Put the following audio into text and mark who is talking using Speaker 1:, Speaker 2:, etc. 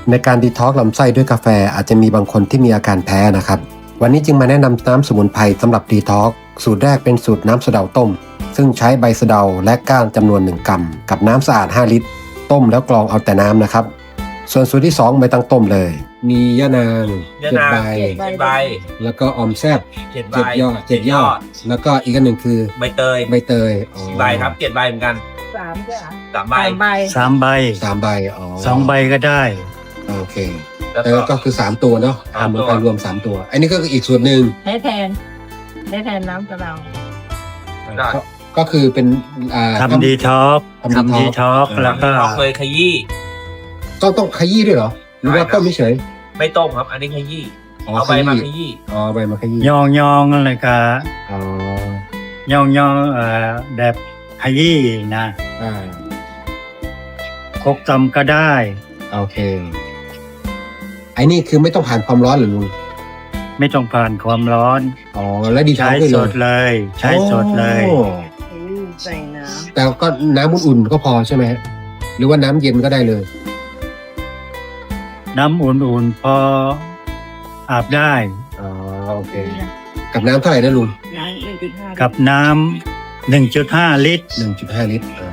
Speaker 1: ในการดีท็อกซ์ลำไส้ด้วยกาแฟอาจจะมีบางคนที่มีอาการแพ้นะครับวันนี้จึงมาแนะนำน้ำสมุนไพรสำหรับดีท็อกซ์สูตรแรกเป็นสูตรน้ำสะเดาต้มซึ่งใช้ใบสะเดาและก้านจำนวน1กรัมกับน้ำสะอาด5ลิตรต้มแล้วกรองเอาแต่น้ำนะครับส่วนสูตรที่2ไม่ต้องต้มเลยมียะนาง7 ใบ
Speaker 2: 7 ใบ
Speaker 1: แล้วก็ออมแซบ
Speaker 2: 7 ใบ
Speaker 1: 7 ยอดแล้วก็อีกอันหนึ่งคือ
Speaker 2: ใบเตย
Speaker 1: ใบเตยอ๋อ
Speaker 2: 4 ใบครับ 7 ใบเหมือนกัน
Speaker 3: 3จ้ะ
Speaker 2: 3 ใบ
Speaker 4: 3 ใบ
Speaker 1: 3 ใบอ๋อ
Speaker 4: 2 ใบก็ได้
Speaker 1: โอเค
Speaker 2: แล้ว
Speaker 1: แล้ว
Speaker 2: ก็
Speaker 1: ก็คือ3ตัวเนาะ
Speaker 2: สาม
Speaker 1: ทำ
Speaker 2: ตัว
Speaker 1: กันรวม3ตัว อันนี้ก็คืออีกส่วนหนึ่ง
Speaker 3: ให้แทนน้ำกระเดา
Speaker 2: ได้
Speaker 1: ก็คือเป็น
Speaker 4: ทำดีท็อก
Speaker 1: ทำ
Speaker 4: ดีท็อกแล้วก็
Speaker 2: เราเคยขยี้
Speaker 1: ต้องขยี้ด้วยเหรอหรือว่า
Speaker 2: ใช่ครับ
Speaker 1: ต้มเฉย
Speaker 2: ไม่ต้มครับ อันนี้ขยี้
Speaker 1: ๆอ๋อ
Speaker 2: เอาใบมาขยี้
Speaker 1: อ๋อใบมาขยี้
Speaker 4: ยองอะไรก็
Speaker 1: อ๋อย
Speaker 4: องแบบขยี้นะ
Speaker 1: อ่า
Speaker 4: คกตำก็ได้
Speaker 1: โอเคไอ้นี่คือไม่ต้องผ่านความร้อนเหรือลุง
Speaker 4: ไม่ต้องผ่านความร้อน
Speaker 1: อ๋อแล้วดีท็อ
Speaker 4: ใช้
Speaker 1: กซ์ด้วย
Speaker 4: ส
Speaker 1: เลย
Speaker 4: ดเลย ใช้สดเลย
Speaker 1: โอ้
Speaker 3: ใส่น้
Speaker 1: แต่ก็น้ำอุ่นๆก็พอใช่ไหมฮะหรือว่าน้ำเย็นก็ได้เลย
Speaker 4: น้ำอุ่นๆพออาบได้
Speaker 1: อ๋อโอเคกับน้ำเท่าไหร่นะลุง
Speaker 3: ำน้ำ1.5
Speaker 4: กับน้ำ1.5 ลิตร
Speaker 1: 1.5 ลิตร